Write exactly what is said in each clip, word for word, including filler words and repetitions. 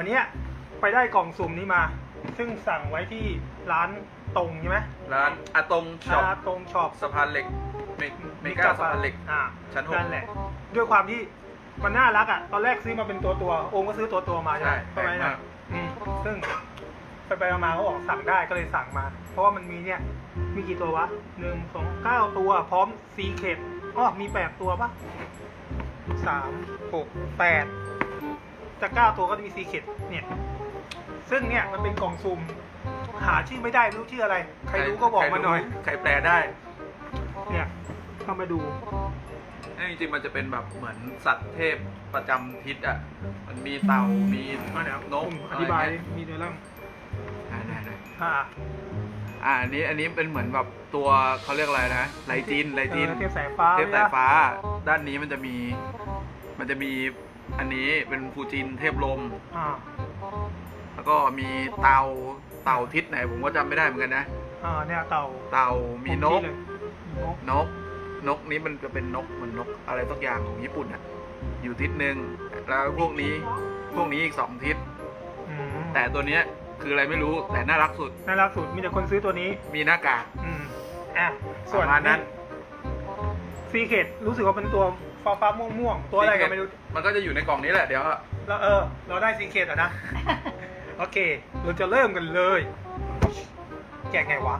เนี้ยไปได้กล่องสุ่มนี้มาซึ่งสั่งไว้ที่ร้านตรงใช่ไหมร้านอาตงช็อปตรงช็อปสะพานเหล็กเมเมกาสะพานเหล็กอ่าชั้นหกนั่นแหละด้วยความที่มันน่ารักอ่ะตอนแรกซื้อมาเป็นตัวตัวโอมก็ซื้อตัวตัวมาใช่ไหมใช่ไหมแพงมากอืมซึ่งไปไปมาเขาบอกสั่งได้ก็เลยสั่งมา เพราะว่ามันมีเนี่ยมีกี่ตัววะหนึ่งสองเก้าตัวพร้อมซีเคดอ๋อมีแปดตัวปะสามหกแปดจะเก้าตัวก็จะมีซีเคดเนี่ยซึ่งเนี่ยมันเป็นกล่องซุ่มหาชื่อไม่ได้ไม่รู้ชื่ออะไรใครรู้ก็บอกมาหน่อยใครแปลได้เนี่ยเข้ามาดูจริงๆมันจะเป็นแบบเหมือนสัตว์เทพประจำทิศอ่ะมันมีเต่ามีมาเดี๋ยวนกอธิบายอะไรเงี้มีเนื้อเรื่องได้ได้ได้อ่าอ่าอันนี้อันนี้เป็นเหมือนแบบตัวเขาเรียกอะไรนะไลจินไลจินเออเทพสายฟ้าเทพสายฟ้า ด้านนี้มันจะมี มันจะมีอันนี้เป็นฟูจินเทพลมอ่าแล้วก็มีเต่าเต่าทิศไหนผมก็จำไม่ได้เหมือนกันนะอ่าเนี่ยเต่าเต่ามีนกเลยนกนก นกนี้มันจะเป็นนกเหมือนนกอะไรสักอย่างของญี่ปุ่นอ่ะ อยู่ทิศหนึ่งแล้วพวกนี้ พวกนี้อีกสองทิศอืมแต่ตัวเนี้ยคืออะไรไม่รู้แต่น่ารักสุดน่ารักสุดมีแต่คนซื้อตัวนี้มีหน้ากากอืมอ่ะปส่วนระมาณนั้นซีเคดรู้สึกว่าเป็นตัวฟ้าฟ้าม่วงม่วงๆตัวอะไรก็ไม่รู้มันก็จะอยู่ในกล่องนี้แหละเดี๋ยวแล้วเออ เราได้ซีเคดอ่ะนะ โอเค เราจะเริ่มกันเลย แกะไงวะ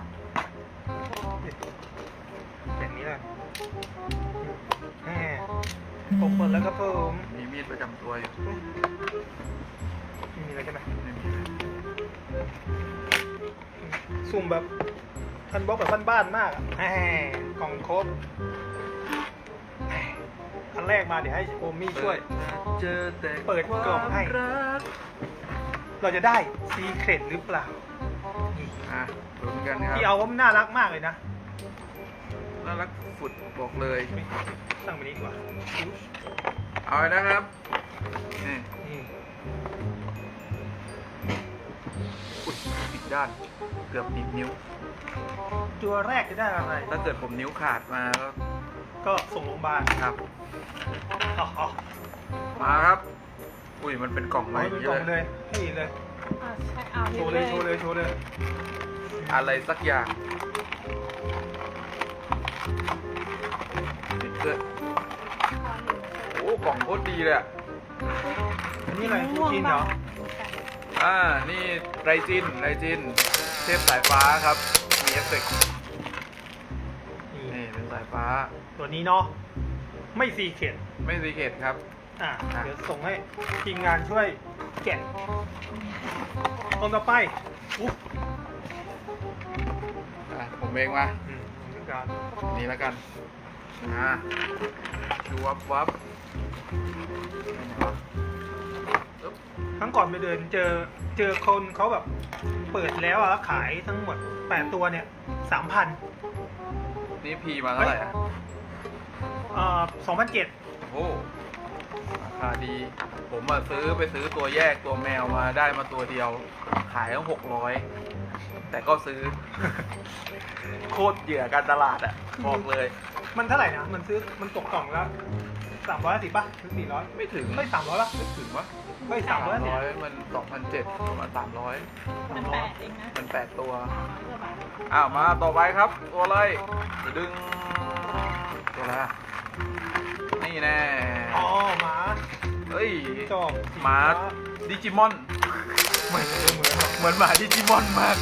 แบบนี้เลยแหมผมเปิดแล้วก็เพิ่มมีมีดประจำตัวอยู่ไม่มีอะไรใช่ไหมไม่มีอะไรสุ่มแบบพันบล็อกแบบบ้านๆมากอ่ะแหมกล่องครบแหมอันแรกมาเดี๋ยวให้โอมมี่ช่วยเจอแต่เปิดกล่องให้ความรักเราจะได้ซีเครตหรือเปล่านี่อ่ะลุ้นกันครับที่เอาว่ามันน่ารักมากเลยนะน่ารักฝุดบอกเลยตั้งไปนี้ดีกว่าเอาเลยนะครับนี่นี่อุดอีกด้าน เกือบหนีบนิ้วตัวแรกจะได้อะไรถ้าเกิดผมนิ้วขาดมาก็ก็ส่งโรงพยาบาลครับอ๋อมาครับ อุ้ยมันเป็นกล่องเอาใหม่ให้เป็นกล่องเลยให้เห็นเลยอ่าใช่เอาโชว์เลยโชว์เลยโชว์เลยอะไรสักอย่างติดเสื้อโอ้กล่องโคตรดีเลยอ่ะอันนี้อะไรฟูจินเหรออ่า นี่ไรจินไรจิน เทพสายฟ้าครับ มีเอฟเฟกต์นี่นี่เป็นสายฟ้าตัวนี้เนาะไม่ซีเครตไม่ซีเคทครับอ่ะอ่ะเดี๋ยวส่งให้ทีมงานช่วยแกะตรงต่อไปอุ๊บอ่ะผมเองมาอืมทีมงานนี่แล้วกัน อ่าดูวับวับไหนวะอึ๊บครั้งก่อนไปเดินเจอเจอคนเขาแบบเปิดแล้วอะขายทั้งหมดแปดตัวเนี่ยสามพันนี่พีมาเท่าไหร่อ่ะเอ่อสองพันเจ็ดโอ้ราคาดี ผมมาซื้อไปซื้อตัวแยกตัวแมวมาได้มาตัวเดียว ขายตั้งหกร้อย แต่ก็ซื้อ โคตรเหยื่อการตลาดอ่ะ บอกเลยมันเท่าไหร่นะ มันซื้อมันตกกล่องแล้วสามร้อยสิบป่ะหรือสี่ร้อยไม่ถึงไม่สามร้อยป่ะไม่ถึงวะไม่สามร้อยสิบร้อยมันสองพันเจ็ดประมาณสามร้อยมันแปดเองนะมันแปดตัวร้อยกว่าบาทอ้าว มาต่อไปครับ ตัวอะไรจะดึง ตัวอะไรอะนี่แน่อ๋อหมาเฮ้ยจอบหมาดิจิมอนเหมือนเหมือนหรอกเหมือนหมาดิจิมอนมาก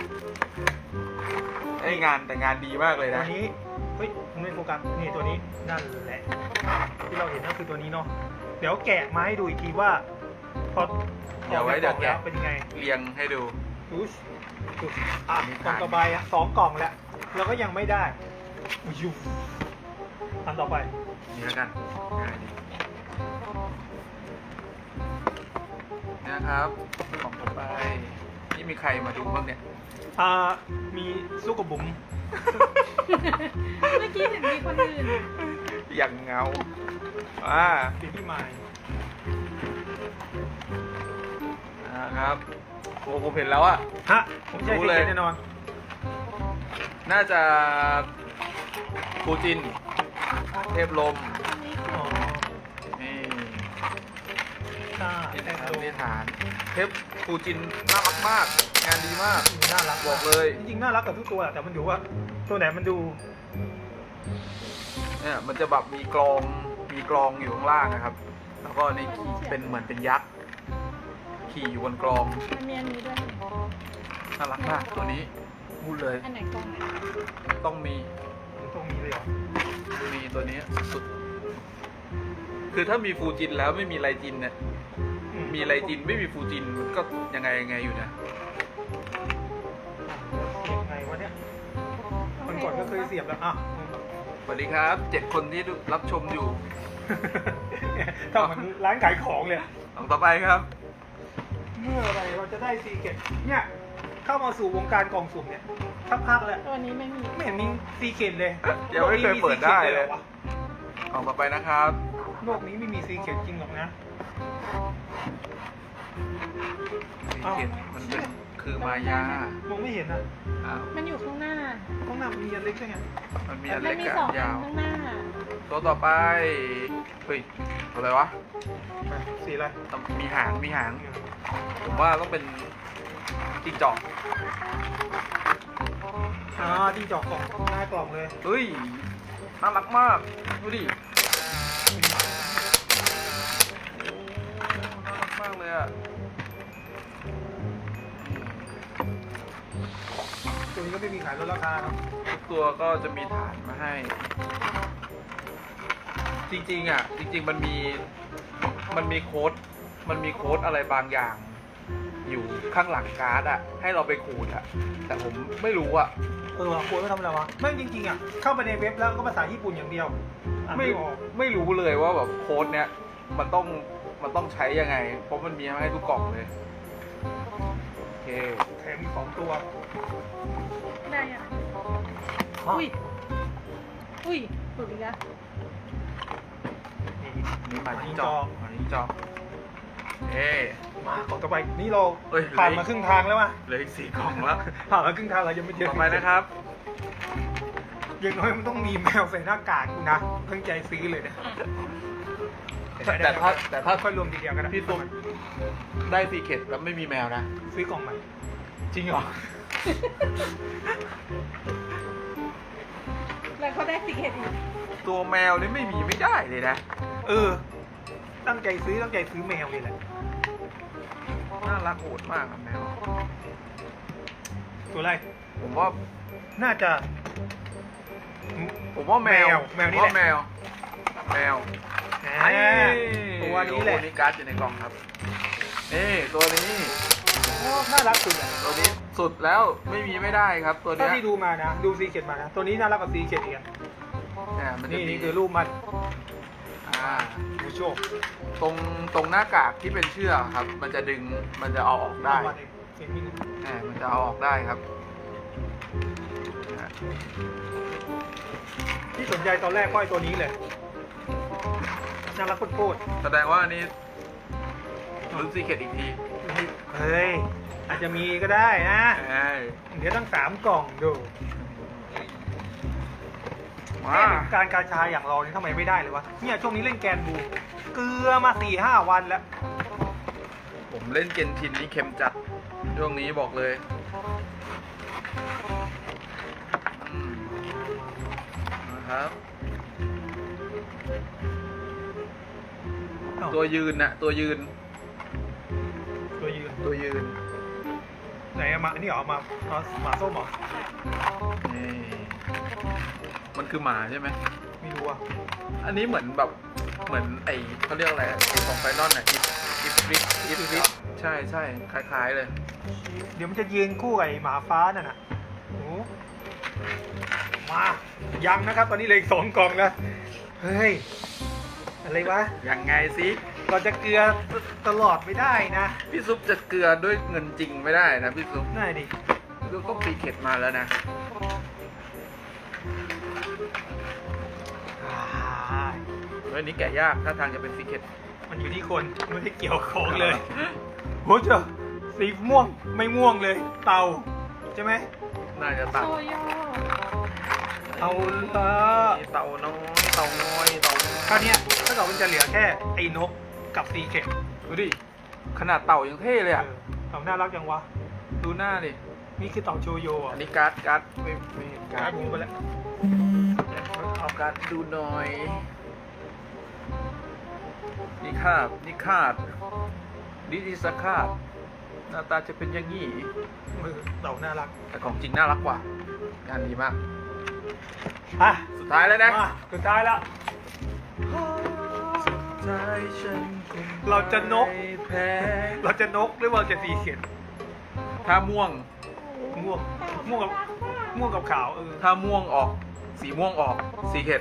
ไอ้ยงานแต่งานดีมากเลยตัวนะนี้เฮ้ยมันไม่โฟกัสนี่ตัวนี้นั่นแหละ ที่เราเห็นก็คือตัวนี้เนาะเดี๋ยวแกะมาให้ดูอีกทีว่าพอเดี๋ยวไว้เดี๋ยวแกะออจากกล่องแล้วเป็นยังไงเรียงให้ดูดูสดูสอ่ะมีกล่องฐานต่อไปอ่ะสองกล่องแล้วเราก็ยังไม่ได้ยูอันต่อไปนี่แล้วกันง่ายดีนี่นะครับของผมไป นี่มีใครมาดูบ้างเนี่ยอ่ามีลูกกับบุ๋มเมื่อกี้เห็นมีคนอื่นอย่างเงาอ่าสีพี่ไม้นะครับโอ้ผมเห็นแล้วอะฮะผมใช่รู้สีเลยแน่นอนน่าจะฟูจิน เทพลมอ๋อนี่ทอ่านี่แต่นะครับโลนี่ฐานเทปฟูจินน่ารักมาก งานดีมากน่ารักบอกเลยจริงๆน่ารักกับทุกตัวแหละแต่มันอยู่ว่า ตัวไหนมันดูเนี่ยมันจะแบบมีกรองมีกรองอยู่ข้างล่างนะครับ แล้วก็นี่เป็นเหมือนเป็นยักษ์ขี่อยู่บนกรองมันมีอันนี้ด้วยน่ารักมากตัวนี้พูดเลยอันไหนกล่องไหนต้องมีตรงนี้เลยเหรอมีตัวนี้สุดคือถ้ามีฟูจินแล้วไม่มีไรจินเนี่ยอืมีไรจินไม่มีฟูจินมันก็ยังไงยังไงอยู่นะยังไงวะเนี่ยมันก่อนก็เคยเสียบแล้วอ่ะสวัสดีครับเจ็ดคนที่รับชมอยู่ถ้ามันร้านขายของเลยลองต่อไปครับเมื่อไหรเราจะได้ซีเกตเนี่ยเข้ามาสู่วงการกล่องสุ่มเนี่ยสักพักแล้วตัวนี้ไม่มีไม่เห็นมีซีเกตเลยยังไม่เคยเปิดได้เลยโกนี้มี secretหรอวะลองต่อไปนะครับโลกนี้ไม่มีซีเกตจริงหรอกนะสีเขียนมันเป็นคือมายามองไม่เห็นอ่ะอ้าวมันอยู่ข้างหน้าข้างหน้ามันมีอันเล็กใช่ไงมันมีอันมัเล็กมีกับสออังนอัยาน วข้างหน้าตัวต่อไปเฮ้ยอะไรวะไปสีอะไรต้องมีหางมีหาง ผมว่าต้องเป็นจิ้งจอกอ่าที่จอกกล่องหน้ากล่องเลยเฮ้ยน่ารักมากดูดิโอ้น่ารักมากเลยอ่ะตัวนี้ก็ไม่มีขายลดราคาเนาะทุกตัวก็จะมีฐานมาให้ จริงๆอ่ะ จริง ๆ มันมีมันมีโค้ดมันมีโค้ดอะไรบางอย่าง อยู่ข้างหลังการ์ดอ่ะ ให้เราไปขูดอ่ะ แต่ผมไม่รู้อ่ะเออควรไม่ทำอะไรวะไม่จริงๆอ่ะเข้าไปในเว็บแล้วก็ภาษาญี่ปุ่นอย่างเดียวอ่านไม่ไม่ออกไม่รู้เลยว่าแบบโค้ดเนี้ยมันต้องมันต้องใช้ยังไง เพราะมันมีมาให้ทุกกล่องเลย โอเคแถมมีสองตัวได้อ่ะ อุ้ย อุ้ยหลุดอีกแล้วนี่นี่มาที่จอมาที่จอเอ๊มาของต่อไปนี่เราเอ้ยผ่านมาครึ่งทางแล้วว่ะเหลืออีกสี่กล่องแล้วผ่านมาครึ่งทางเรายังไม่เจอต่อไปนะครับอย่างน้อยมันต้องมีแมวใส่หน้ากากกูนะเพิ่งใจซื้อเลยนะแต่ถ้าแต่ถ้าค่อยรวมทีเดียวกันนะพี่ตุ๊กได้ซีเคร็ตแล้วไม่มีแมวนะซื้อกล่องใหม่จริงเหรอแล้วเขาได้สิเกตอีกตัวแมวนี่ไม่มีไม่ได้เลยนะเออ ตั้งใจซื้อตั้งใจซื้อแมวเลยแหละน่ารักโหดมากอะแมวตัวอะไรผมว่าน่าจะผมว่าแมวแมวแมวนี่แหละผาแมว แมวอ่าตัวนี้แหละโอ้โนี่การ์ดอยู่ในกล่องครับ นี่ตัวนี้โอ้น่ารักสุดอ่ะตัวนี้สุดแล้วไม่มีไม่ได้ครับ ตัวถ้าเนี้ยที่ดูมานะ ดูซีเกตมานะ ตัวนี้น่ารักกว่าซีเกตอีกอะเนี่ยมันจะนี่มีนี่คือรูปมันอ่าดูโชคตรงตรงหน้ากากที่เป็นเชือกครับ มันจะดึงมันจะเอาออกได้รูปมันเองเห็นมีนะแหมมันจะเอาออกได้ครับอ่ะที่สนใจตอนแรกก็ไอ้ตัวนี้เลย น่ารักโคตรแสดงว่าอันนี้ลุ้นซีเคร็ตอีกทีๆเฮ้ย อาจจะมีก็ได้นะเอ้ยเดี๋ยวตั้งสามกล่องดูมาแค่การกาชาอย่างเรานี่ทำไมไม่ได้เลยวะ เนี่ยช่วงนี้เล่นแกนบู เกลือมาสี่ห้าวันแล้วผมเล่นเกนทินนี่เค็มจัดช่วงนี้บอกเลยอืมนะครับ ตัวยืนน่ะตัวยืนตัวยืนตัวยืนไหนอะมาอันนี้เหรอมามาหมาส้มเหรอนี่มันคือหมาใช่ไหมไม่รู้อ่ะอันนี้เหมือนแบบเหมือนไอเขาเรียกอะไรไอของไฟนอลน่ะอิฟอิฟริกอิฟริกใช่ใช่คล้ายๆเลยเดี๋ยวมันจะยืนคู่กับไอ้หมาฟ้านั่นน่ะโอ้มา ยังนะครับ ตอนนี้เหลืออีกสองกล่องแล้ว เฮ้ย อะไรวะยังไงสิเราจะเกลือตลอดไม่ได้นะพี่ซุปจะเกลือด้วยเงินจริงไม่ได้นะพี่ซุปได้ดิพี่ซุปต้องตีเข็ดมาแล้วนะอ่าเฮ้ยนี้แกะยากถ้าทางจะเป็นซีเค็ดมันอยู่ที่คนไม่ได้เกี่ยวของเลยโหเจ้าสีม่วงไม่ม่วงเลย เตาใช่ไหมน่าจะตัดโซโย่เอาละเต่าน้อยเต่าน้อยเต่าน้อยคราวเนี้ยถ้าเกิดมันจะเหลือแค่ไอ้นกกับซีเข็มดูดิ ขนาดเต่ายังเท่เลยอ่ะเออเต่าน่ารักจังวะดูหน้าดินี่คือเต่าโชโยอัอ่ะนนี้การ์ดการ์ดไม่ไม่เห็นการ์กาดรมูไปแล้วเอาการ์ดดูหน่อย นี่คาดนี่คาดนี่ดิสคาดหน้าตาจะเป็นอย่างนี้เออเต่าน่ารักแต่ของจริงน่ารักกว่า งานดีมากอ่ะสุดท้ายแล้วนะมาสุดท้ายแล้ว เราจะนกแพ้เราจะนกหรือว่าจะสีเขียนถ้าม่วงม่วงม่วงกับม่วงกับขาวเออถ้าม่วงออก สีม่วงออกสีเข็ด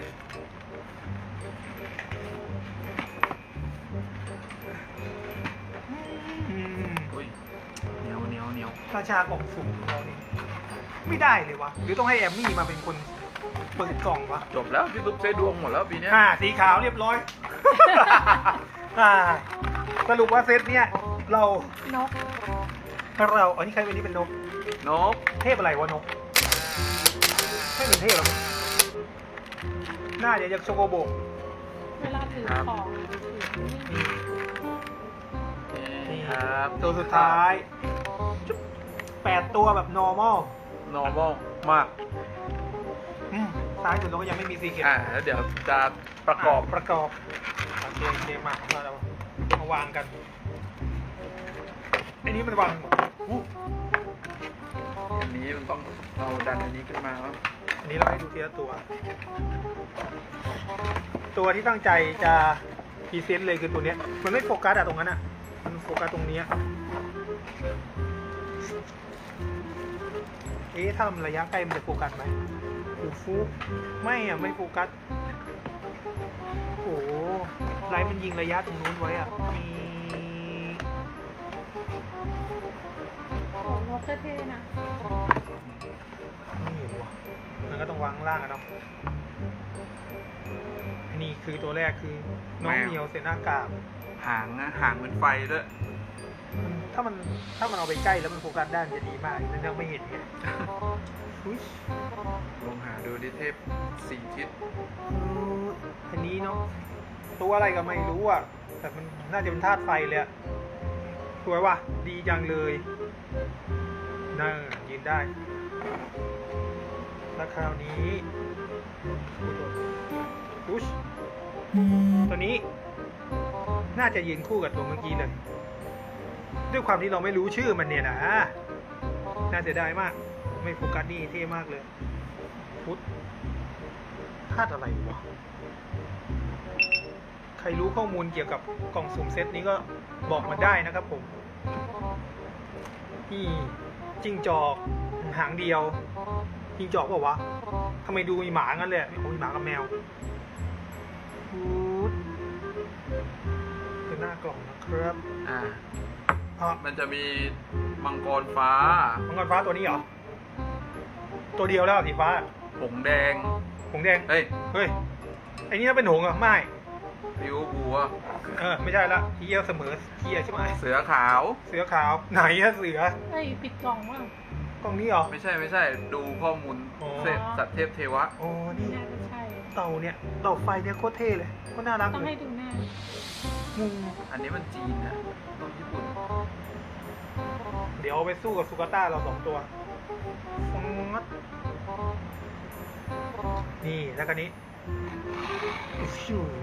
อืมอุ้ยเหนียวเหนียวเหนียวราชากล่องสุ่มของเรานี่ไม่ได้เลยวะหรือต้องให้แอมมี่มาเป็นคนเปิดกล่องวะจบแล้วพี่ตุ๊กใช้ดวงหมดแล้วปีเนี้ยอ่าสีขาวเรียบร้อย อ่าสรุปว่าเซตเนี้ยเรานกเราอันนี้ใครเป็นนี่เป็นนกนกเทพอะไรวะนกไม่เป็นเทพหรอกน่าจะยังโชโกโบกเวลาถือของถือนี่นี่ครับตัวสุดท้ายจุ๊บแปดตัวแบบ normal normal มากอืมซ้ายสุดเราก็ยังไม่มีซีเกตอ่าแล้วเดี๋ยวจะประกอบประกอบโอเคโอเคมามาเรามาวางกันอันนี้มันวางหมดอู้อันนี้มันต้องเราดันอันนี้ขึ้นมาแล้วอันนี้เราให้ดูทีละตัว ตัวที่ตั้งใจจะพรีเซนต์เลยคือตัวเนี้ย มันไม่โฟกัสอะตรงนั้นอะมันโฟกัสตรงเนี้ยเอ๊ะถ้ามันระยะใกล้มันจะโฟกัสไหมฟูฟูไม่อะไม่โฟกัสโอ้โหไลท์มันยิงระยะตรงนู้นไว้อะมีโอ้นกเท่ๆนะไม่เห็นว่ะมันก็ต้องวางข้างล่างอะเนาะอันนี้คือตัวแรกคือน้องเหมียวเซน่ากาบหางนะหางเหมือนไฟด้วยมันถ้ามันถ้ามันเอาไปใกล้แล้วมันโฟกัสได้มันจะดีมากนั่นยังไม่เห็นไงอุ๊ยลองหาดูดิเทพสี่ทิศอืมอันนี้เนาะตัวอะไรก็ไม่รู้อ่ะ แต่มันน่าจะเป็นธาตุไฟเลยอะสวยว่ะ ดีจังเลยน่ายืนได้ แล้วคราวนี้อุ๊ยตัวนี้ น่าจะยืนคู่กับตัวเมื่อกี้เลย ด้วยความที่เราไม่รู้ชื่อมันเนี่ยนะน่าเสียดายมาก ไม่โฟกัสนี่เท่มากเลยพุทธธาตุอะไรวะ ใครรู้ข้อมูลเกี่ยวกับกล่องสุ่มเซตนี้ก็บอกมาได้นะครับผม นี่จิ้งจอกหางเดียวจิ้งจอกเปล่าวะทำไมดูมีหมางั้นเลยโอ้ยหมากับแมวพุทธคือหน้ากล่องนะครับอ่าอ่ะมันจะมีมังกรฟ้ามังกรฟ้าตัวนี้เหรอ ตัวเดียวแล้วสีฟ้าหงแดงหงแดงเฮ้ยเฮ้ย ไอ้นี่น่าเป็นหงส์เหรอ ไม่ริ้วบัวเออ ไม่ใช่ละเฮียเสมอเฮียใช่ไหมเสือขาวเสือขาว ไหนอะเสือเฮ้ยปิดกล่องว่ะกล่องนี้เหรอไม่ใช่ไม่ใช่ ดูข้อมูลอ๋อเสร็จสัตว์เทพเทวะอ๋อ นี่น่าจะใช่เต่าเนี่ย เต่าไฟเนี่ยโคตรเท่เลยโคตรน่ารักต้องเลให้ยดูหน้ามุมอันนี้มันจีนนะต้องญี่ปุ่นเดี๋ยวเอาไปสู้กับซูกาต้าเราสองตัวฟงัดนี่ แล้วก็นี้ฟิว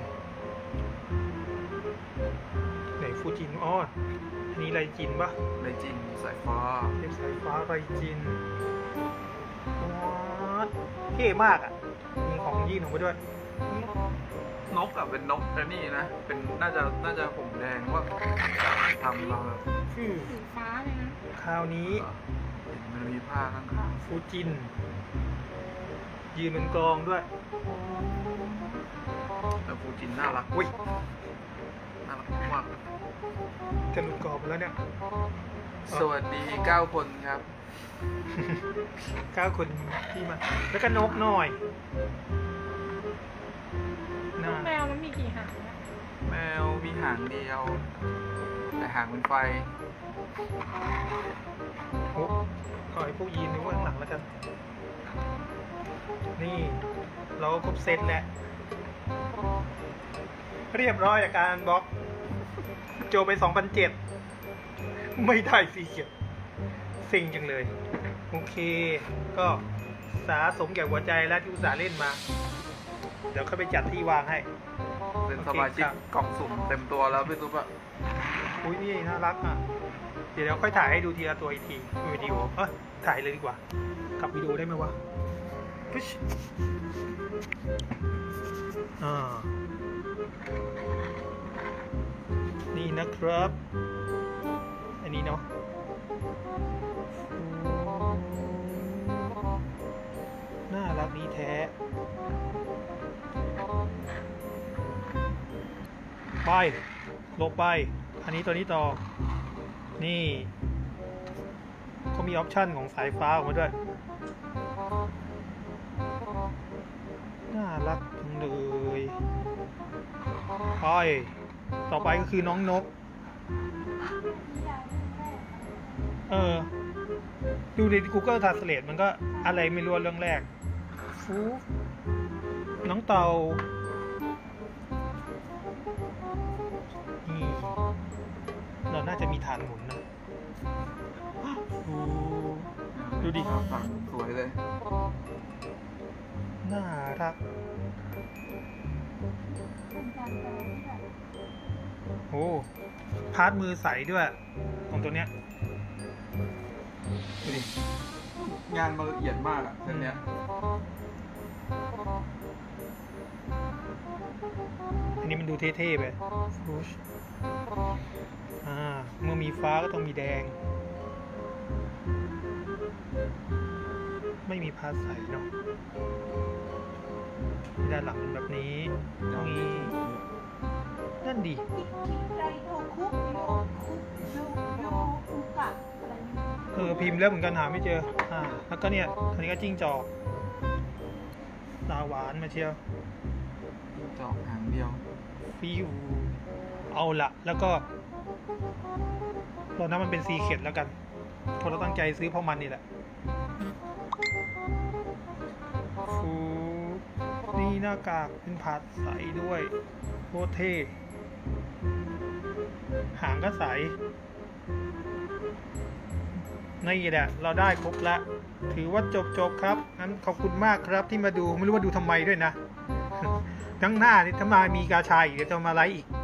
ไหนฟูจินอ๋ออันนี้ไรจินปะในจีนสายฟ้าเทพสายฟ้าไรจินวัดเท่มากอ่ะ มีของยื่นออกมาด้วยนกอะเป็นนกแต่นี่นะ เป็นน่าจะน่าจะผมแดงว่าทำมาแบบฟิวสีฟ้าเลยนะคราวนี้เห็นมันมีผ้าข้างฟูจิน ยืนเป็นกลองด้วยๆแล้วฟูจินน่ารักอุ้ยน่ารักมากจะหลุดกรอบแล้วเนี่ยสวัสดีเก้าคนครับเก้าคนที่มา แล้วก็นกหน่อยน่าแมวมันมีกี่หางนะแมวมีหางเดียว แต่หางเป็นไฟโอ้ขอให้พวกยีนไว้ข้างหลังแล้วกัน นี่ เราก็ครบเซตแล้ว เรียบร้อยจากการบล็อกโจไปสองพันเจ็ดไม่ได้สีเขียวเซ็งจังเลย โอเค ก็สาสมแก่หัวใจแล้วที่อุตส่าห์เล่นมา เดี๋ยวเข้าไปจัดที่วางให้เป็นสมาชิกกล่องสุ่มเต็มตัวแล้วพี่ตุ๊บอะอุ้ยนี่น่ารักอ่ะ เดี๋ยวเราค่อยถ่ายให้ดูทีละตัวอีกทีวิดีโอเออถ่ายเลยดีกว่ากลับวิดีโอได้ไหมวะปึ๊ชอ่า นี่นะครับ อันนี้เนาะน่ารักดีแท้ ไปลงไป อันนี้ตัวนี้ต่อ นี่เขามีออปชันของสายฟ้าออกมาด้วย น่ารักจังเลย ไป ต่อไปก็คือน้องนก เออ ดูใน Google Translate มันก็อะไรไม่รู้เรื่องแรกฟูน้องเต่านี่เราน่าจะมีฐานหมุนนะฟูดูดิฝั่งสวยเลยน่ารัก โอ้พาร์ทมือใสด้วย ของตัวเนี้ย ดูดิงานมันละเอียดมากอะเส้นเนี้ยอันนี้มันดูเท่ๆไปฟูชอ่า เมื่อมีฟ้าก็ต้องมีแดง ไม่มีพาร์ทใสเนาะด้านหลังเป็นแบบนี้ตรงนี้นั่นดิไดโทคุโยคุโยโยอุกะอะไรนี่เออพิมพ์แล้วเหมือนกันหาไม่เจอ อ่า แล้วก็เนี่ยอันนี้ก็จิ้งจอกตาหวานมาเชียวจอกหางเดียวฟิวเอาละแล้วก็ตอนนั้นมันเป็นซีเค็ดแล้วกันเพราะเราตั้งใจซื้อเพราะมันนี่แหละฟูนี่หน้ากากเป็นผาดใสด้วยโคตรเท่หางก็ใสนี่แหละเราได้ครบแล้ว ถือว่าจบจบครับงั้นขอบคุณมากครับที่มาดูไม่รู้ว่าดูทำไมด้วยนะ ทั้งหน้านี่ถ้ามามีกาชายอีกเดี๋ยวจะมาไลฟ์อีก